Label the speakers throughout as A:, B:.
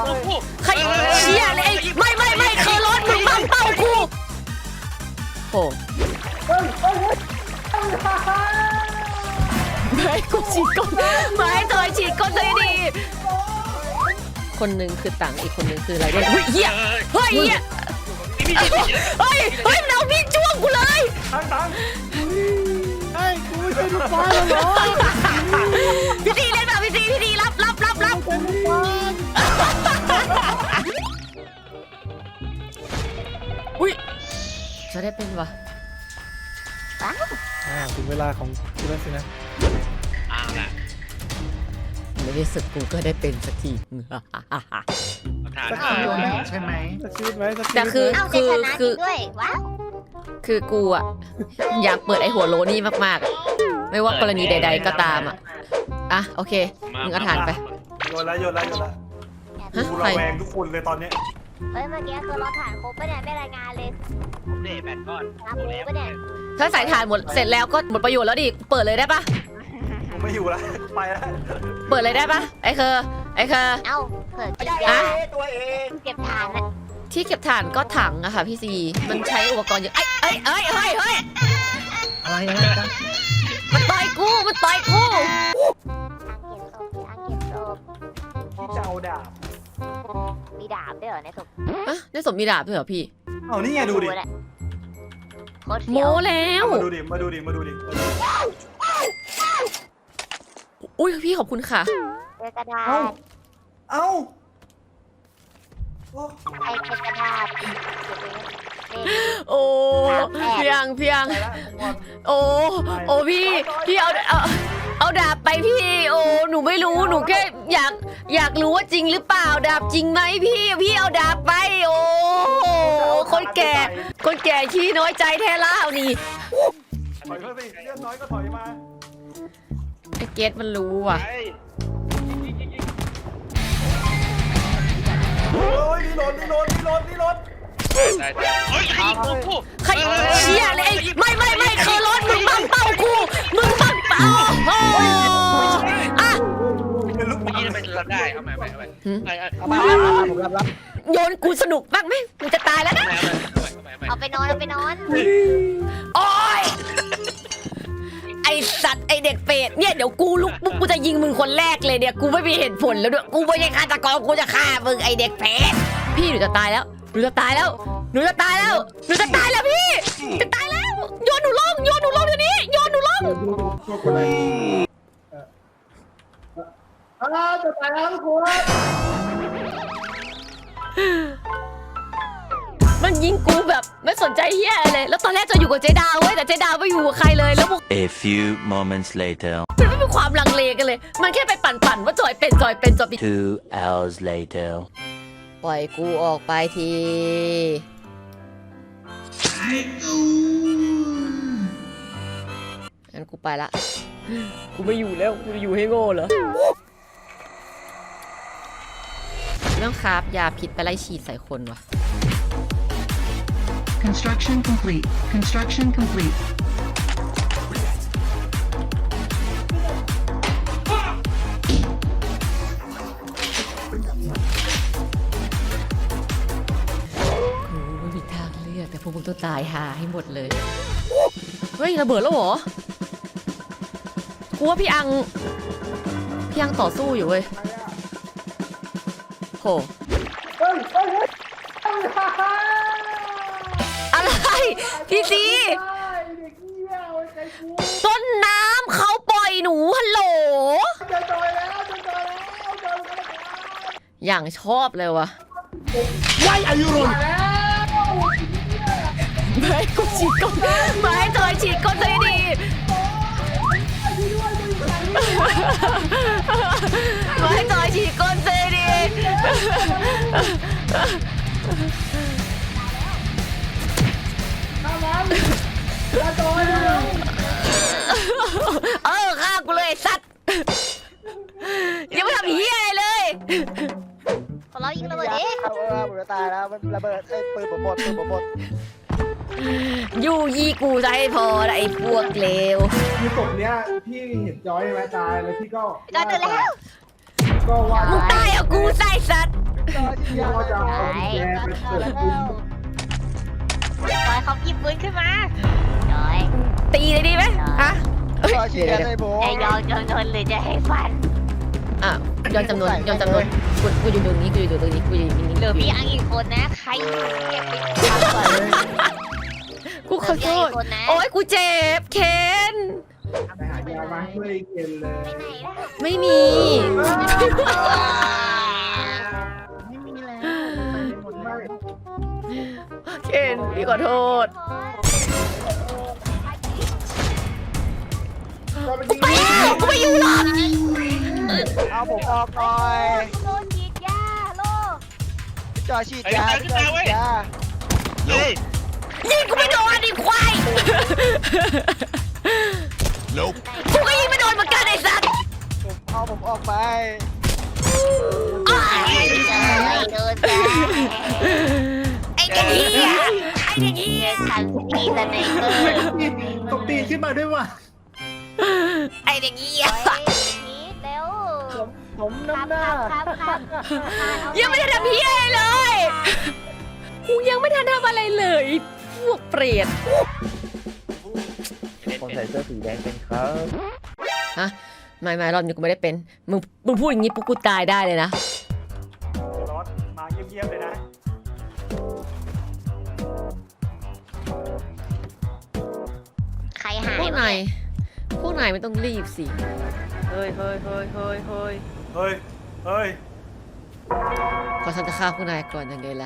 A: ใครเชี่ยเลยไม่เคอร์ลอนมึงบังเป้ากูโอ้ไม่กูฉีดก้นไม่เธอฉีดก้นเลยดีคนหนึ่งคือตังอีกคนหนึ่งคืออะไรเนี่ยเฮ้ยเฮียเฮ้ยมันเอามีดจ้วงกูเลย
B: ตัง
C: ไอ้กูไม่ใช่ลูกบอลเหรอ
A: พี่ตีเล่นแบบพี่ตีรับ
C: เป็นลูกบอล
A: อุ้ยจะได้เป็นวะ
C: ถึงเวลาของกูแล้วสินะ
D: ล่ะ
A: ไม่ได้สึกกูก็ได้เป็นสักที
D: สักที
B: ใช่ไหม
C: สักชีวิตไหมสักชีวิต
A: แต่คือ
E: ว้าว
A: คือกูอะอยากเปิดไอหัวโลนี่มากๆไม่ว่ากรณีใดๆก็ตามอะโอเคมึงเอาฐานไป
B: โยนแล้วกูระแวงทุกคนเลยตอนนี้
E: เมื่อกี้คือเราถ่านครบปะเนี่ยไม่รายงานเลย
D: เด็ดแบตก้อน
E: รับรู้ปะเนี่ย
A: ถ้าใส่ฐานหมดเสร็จแล้วก็หมดประโยชน์แล้วดิเปิดเลยได้ปะ
B: ผมไม่อยู่แล้วไปแล้ว
A: เปิดเลยได้ปะไอเคอ
E: เอ้าเผื่อกินยา
B: ตัวเอง
E: เก็บฐานอะ
A: ที่เก็บถ่านก็ถังอะค่ะพี่ซีมันใช้อุปกรณ์เยอะเฮ้ย
C: อะไรกัน
A: มันต่อยกู
E: เก็บศพ
B: ที่จะเอาดาบ
E: มีดาบด้วยเหรอในศพ
A: ในศพมีดาบด้วยเหรอพี่
B: เอานี่ไงดูดิ
A: โม้แล้ว
B: มาดูดิ
A: อุ้ยพี่ขอบคุณค่ะ
E: กระดาษ
B: เอ้า
E: ไอ้กระดาษ
A: โอ้เพียงโอ้พี่เอาดาบไปพี่โอ้หนูไม่รู้หนูแค่อยากรู้ว่าจริงหรือเปล่าดาบจริงไหมพี่เอาดาบไปโอ้คนแก่ขี้น้อยใจแท้ล่านี่
B: ถอยมาสิเรื่องน้อยก็ถอยมา
A: ไอ้เกตมันรู้ว่ะ
B: โอ้ยนี่รถ
D: เฮ้ย
A: ใครเชี่ยเลยไม่เคอร์ลอนมึงบังเป้ากูมึงบังเป้า
B: เป็นลูก
D: เมื่อกี้มันรับได้เอาใหม่
C: ผมรับ
A: โยนกูสนุกบ้างไหมมึงจะตายแล้วนะ
E: เอาไปนอน
A: โอ้ยไอสัตว์ไอเด็กเปรตเนี่ยเดี๋ยวกูลุกปุ๊บกูจะยิงมึงคนแรกเลยเนี่ยกูไม่มีเหตุผลแล้วด้วยกูไม่ใช่ฆาตกรกูจะฆ่ามึงไอเด็กเปรตพี่หนูจะตายแล้วพี่จะตายแล้วพี่จะตายแล้วโยนหนูลงเดี๋ยวนี้โยนหนูลง
C: จะตายแล้วทุกคน
A: มันยิงกูแบบไม่สนใจเฮียเลยแล้วตอนแรกจะอยู่กับเจดาวเว้ยแต่เจดาวไม่อยู่กับใครเลยแล้วพวก
F: A few moments later
A: มันไม่มีความลังเลกันเลยมันแค่ไปปั่นว่าจอยเป็น
F: 2 hours later
A: ปล่อยกูออกไปทีงั้นกูไปละกูไม่อยู่แล้วกูจะอยู่ให้โง่เหรอเรื่องคราฟยาพิษไปไล่ฉีดใส่คนวะ
G: Construction complete.
A: ไม่มีทางเลือกแต่พวกมึงต้องตายหาให้หมดเลยเฮ้ยระเบิดแล้วเหรอกูว่าพี่อังต่อสู้อยู่เว้ยโหอะไรพี่ซีต้นน้ำเขาปล่อยหนูฮัลโหลอย่างชอบเลยวะ
C: ว้ายอายุรุน
A: ไม่กูฉีดก้นไม่เธอฉีดก้นเลยดีไม่เธอฉีดก้นเลยดีฆ่ากูเลยสัตว์ยังไม่ทำเหี้ยอะไรเลย
E: เรายิงระเบิดเอง
C: ผมจะตายแล้วระเบิดไอ้ปืนผมหมด
A: ยูยี่กูจะให้พอไอ้พวกเลว
C: คือศพเนี้ยพี่เห็นจอยไหมตายแล้วพี่ก็
E: ตื่นแล้ว
C: ก็ว่า
A: มึงตายเอากูใส่สัตว์
C: ฉีดยาเลย
E: จอยเขาหยิบปืนขึ้นมาจอย
A: ตีเลยดีไหมฮะ
C: ต่อฉีดยาเลยผม
E: จะยอมจำนวนหรือจะให้ฟัน
A: อ่ะย้อนจำนวนกูอยู่ตรงนี้กูอยู่ตรงนี้กูอยู่ตรงนี้
E: เหลือพี่อังอีกคนนะใครเก็บไปทำก่อนเลย
A: กูขอโทษ
E: คนนะ
A: โอ๊ยกูเจ็บเคน
C: ไปหายามาช่วยเย็นเลย
E: ไปไหนล่ะ
A: ไม่มี
C: ไม่มีแล้วหมดเลย
A: เคนพี่ขอโทษ ไปแล้วกูไม่อยู่หรอก
C: เอาผมออกหน่อย
E: โดนฉีดยาโล
C: จอฉีดยาฉีดยา
D: เฮ้ย
A: ยิงกูไม่โดนดิควายกูก็ยิงไม่โดนเหมือนกันไอ้สัตว์
C: ผมออกไป
A: อ้าว
E: โดนจ้า
A: ไอ้เด็กเหี้ยไอ้เด็กเหี้ย
E: ทันทีสไนเปอร์
C: ตกตีขึ้นมาด้วยว่ะ
A: ไอ้เด็กเหี้ย
E: นีดเร็ว
C: ผมน้ำหน้า
E: ครับ
A: ยังไม่ได้ทำเหี้ยอะไรเลยกูยังไม่ทันทำอะไรเลยพวกเปรต
G: คนใส่เสื้อสีแดงเป็นครับ
A: ฮะไม่รอบนี้กูไม่ได้เป็นมึงพูดอย่างนี้ปุ๊บกูตายได้เลยนะ
B: รถมาเงียบๆเลยนะ
E: ใครหาย
A: พวกนายไม่ต้องรีบสิ
B: เฮ้ย
A: ขอฉันจะฆ่าพวกนายก่อนยังไงล่ะ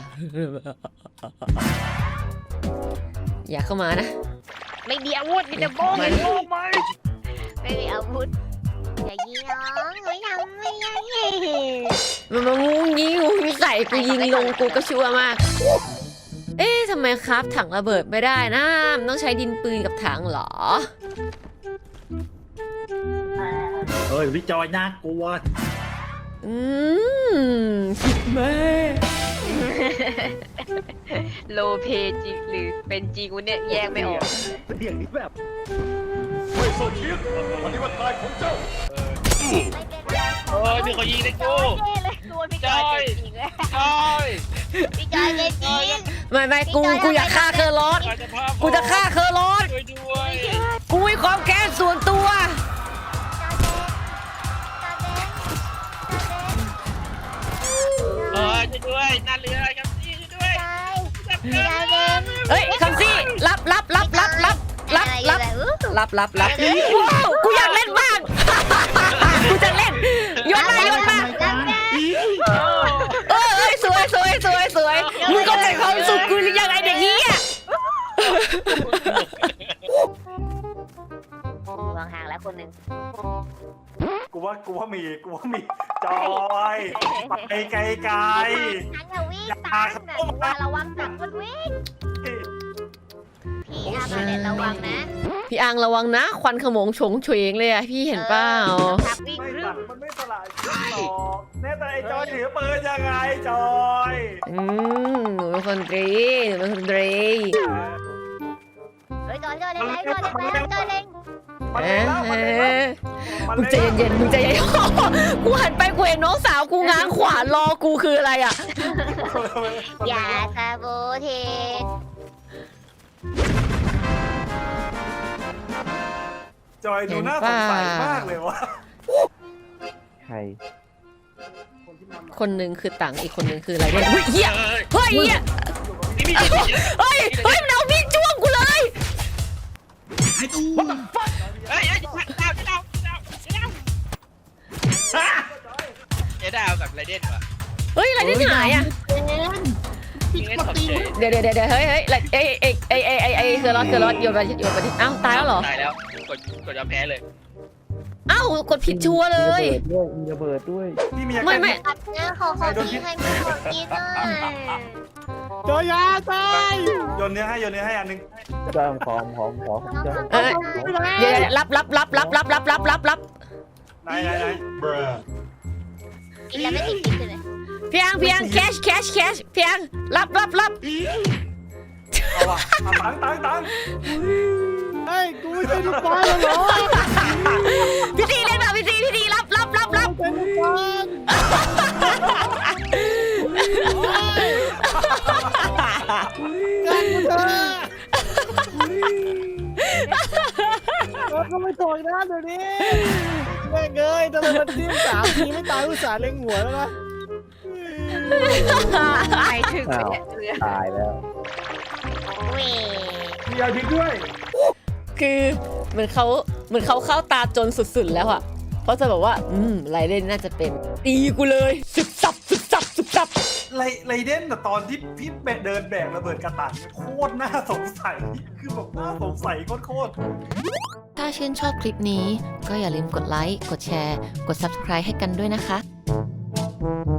A: อย่าเข้ามานะ
E: ไม่มีอาวุธมีแต่โบ้ไงโบ้ไหมไม่มีอาวุธอย่ายิงน้องไม่ทำไม่ยัง
A: มันมางูงี้ใส่กูยิงลงกูก็ชั่วมาก เอ๊ะทำไมครับถังระเบิดไม่ได้นะมันต้องใช้ดินปืนกับถังเหรอ
G: เฮ้ยพี่จอยน่ากลัว
A: คิดแม่
E: โลเพจริงหรือเป็นจริงวะเนี่ยแยกไม่ออก
G: เสียงนี้แบบ
B: ไม่สนเทียนวันนี้วันตายของเจ้า
D: มีคนยิงในกู
E: พี่จอยจริงเลย
D: จอย
E: พี่จอยจริง
A: ไม่กูอยากฆ่าเคอร์ลอส กูจะฆ่าเคอร์ลอส
D: ช่วยด้วย
A: กูมีความแค้นส่วนตัว
D: ช่วยด้วยน่าเรือครับพี่ช่วยด้วย
A: เฮ้ยคำซี่รับว้าวกูอยากเล่นบ้าง กูจะเล่นโยนมาเอ้ยสวยมึงก็ใจความสุขกูหรือยังไงเด็กนี้อ่ะ
E: วางห่างแล้วคนหนึ่ง
B: กูว่ามีจอยไปไกล
E: ฉันจะวิ่งตามนะว่าระวังหนักมันวิ่งพี่อาร์มาระวังนะ
A: พี่อังระวังนะควันขโมงโฉงเฉงเลยอ่ะพี่เห็นเปล่า
E: ทักวิ่ง
B: ไม่
E: รึ
B: ตั
E: ม
B: ดมันไม่สลายหรอกแน่แต่ไอ้จอยถือปืนยังไงจอย
A: หนูเป็นคนตรี
E: เฮ้ยจอยเล่นเล่น
B: มัน
A: เอ
B: เล่นแล้วมันเล่นแล้ว
A: มึงใจเย็นกูหันไปกูเห็นน้องสาวกูง้างขวานรอกูคืออะไรอ่ะ
E: อย่าซาโบเทส
B: จอยดูน่าสงสัยมากเลยวะ
G: ใคร
A: คนหนึ่งคือตังอีกคนหนึ่งคืออะไรเนี่ยเฮียเฮ้ย
D: นี่มีคนยิง
A: เฮ้ยมันเอามีดจ้วงกูเลย
D: เฮ้ยเจ๊ดาวกับไรเด่นวะ
A: เฮ้ยอะไรที่ไหนอ่ะ
D: ยิงให้สมเฉย
A: เดี๋ยวเฮ้ยคือรถโยนไปดิอ้าวตายแล้วเหรอ
D: ตายแล้วกดยอมแพ้เลย
A: อ้าวกดผิดชัวร์เลย
G: มีระเบิดด้วย
B: พี่มีอา
A: ไม่
B: การ
E: ตัดเนื้อขอพี่ให้พี่ขอกินหน่อย
C: จอยาตาย
B: โยนเนื้อให้อันนึง
G: จอยขอจอย
A: เดี๋ยวรับ
B: ไหน
E: กินแล้วไม่ติดพิษเลย
A: เพียงแคชเพียงรับ
B: เอาว่ะตัง
C: เฮ้ยกูไม่ใช่ลูกบอลเหรอ
A: พี่ทีเล่นแบบพี่ทีรับ
C: เป็นลูกบอลกันกูเถอะเราก็ไม่ถอยนะเดี๋ยวนี้แม่งเอ้ยทำไมมันทิ่ม3 ทีไม่ตายอุตส่าห์เล็งหัวแล้วนะ
E: ไปถึง
G: อ้าวตายแล้ว
E: เว้ย
B: มียาพิษด้วย
A: คือเหมือนเขาเข้าตาจนสุดๆแล้วอะเพราะจะบอกว่าไรเดนน่าจะเป็นตีกูเลยสึกสับสึกสับสึกสับ
B: ไรเดนแต่ตอนที่พี่เดินแบกระเบิดกระตันโคตรน่าสงสัยคือแบบน่าสงสัยโคตร
A: ถ้าชื่นชอบคลิปนี้ก็อย่าลืมกดไลค์ กดแชร์ กด Subscribe ให้กันด้วยนะคะ